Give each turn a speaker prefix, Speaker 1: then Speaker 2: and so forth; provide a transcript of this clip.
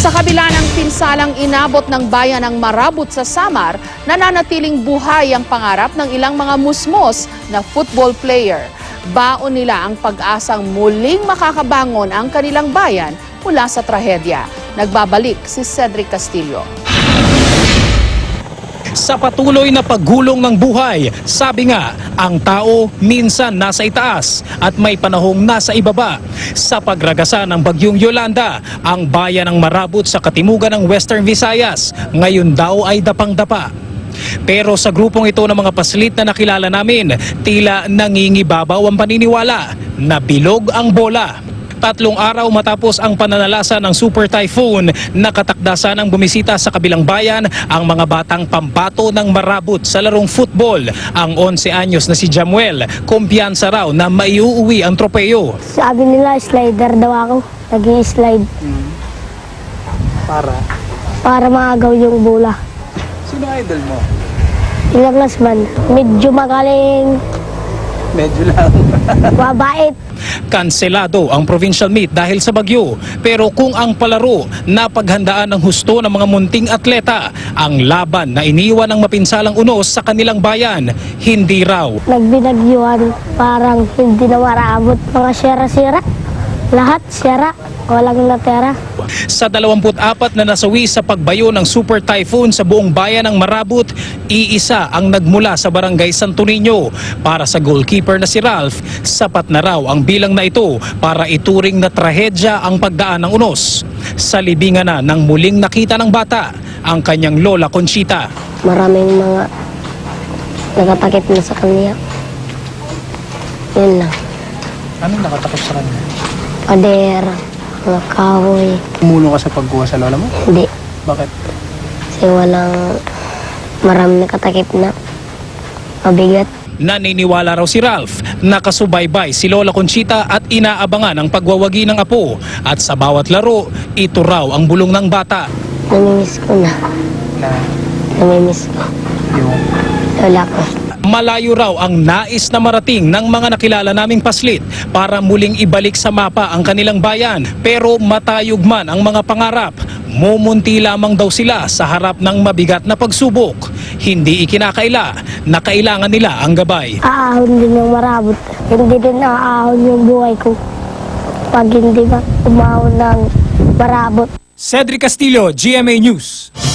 Speaker 1: Sa kabila ng pinsalang inabot ng bayan ng Marabut sa Samar, nananatiling buhay ang pangarap ng ilang mga musmos na football player. Baon nila ang pag-asang muling makakabangon ang kanilang bayan mula sa trahedya. Nagbabalik si Cedric Castillo.
Speaker 2: Sa patuloy na paggulong ng buhay, sabi nga, ang tao minsan nasa itaas at may panahong nasa ibaba. Sa pagragasa ng bagyong Yolanda, ang bayan ng Marabut sa katimugan ng Western Visayas, ngayon daw ay dapang-dapa. Pero sa grupong ito ng mga paslit na nakilala namin, tila nangingibabaw ang paniniwala na bilog ang bola. 3 araw matapos ang pananalasa ng Super Typhoon, nakatakdasan ang bumisita sa kabilang bayan ang mga batang pambato ng Marabut sa larong football. Ang 11 anyos na si Jamuel, kumpiyansa raw na maiuuwi ang tropeyo.
Speaker 3: Sabi nila slider daw ako, naging slide. Para maagaw yung bola.
Speaker 4: Sino idol mo?
Speaker 3: Ilang man, medyo magaling,
Speaker 4: Medyo lang.
Speaker 3: mabait.
Speaker 2: Kanselado ang provincial meet dahil sa bagyo. Pero kung ang palaro napaghandaan ng husto ng mga munting atleta, ang laban na iniwan ng mapinsalang unos sa kanilang bayan, hindi raw.
Speaker 3: Nagbinagyuhan, parang hindi na maraabot. Mga sira-sira, lahat sira, walang natera.
Speaker 2: Sa 24 na nasawi sa pagbayo ng Super Typhoon sa buong bayan ng Marabut, iisa ang nagmula sa barangay Santo Niño. Para sa goalkeeper na si Ralph, sapat na raw ang bilang na ito para ituring na trahedya ang pagdaan ng unos. Sa libingan na nang muling nakita ng bata ang kanyang lola Conchita.
Speaker 3: Maraming mga nakatakip na sa kanya. Yun lang.
Speaker 4: Anong nakatakot sa kanya?
Speaker 3: Pader, mga kahoy.
Speaker 4: Umulong ka sa pagkuha sa lola mo?
Speaker 3: Hindi.
Speaker 4: Bakit?
Speaker 3: Kasi maraming nakatakip na mabigat.
Speaker 2: Naniniwala raw si Ralph na kasubaybay si Lola Conchita at inaabangan ang pagwawagi ng apo. At sa bawat laro, ito raw ang bulong ng bata.
Speaker 3: Namimiss ko na.
Speaker 4: Na
Speaker 3: Namimiss ko.
Speaker 4: yung...
Speaker 3: Lola ko.
Speaker 2: Malayo raw ang nais na marating ng mga nakilala naming paslit para muling ibalik sa mapa ang kanilang bayan. Pero matayog man ang mga pangarap, mumunti lamang daw sila sa harap ng mabigat na pagsubok. Hindi ikinakaila na kailangan nila ang gabay.
Speaker 3: Aahon din ng Marabut. Hindi din aahon yung buhay ko. Pag hindi ba umahon ng Marabut.
Speaker 2: Cedric Castillo, GMA News.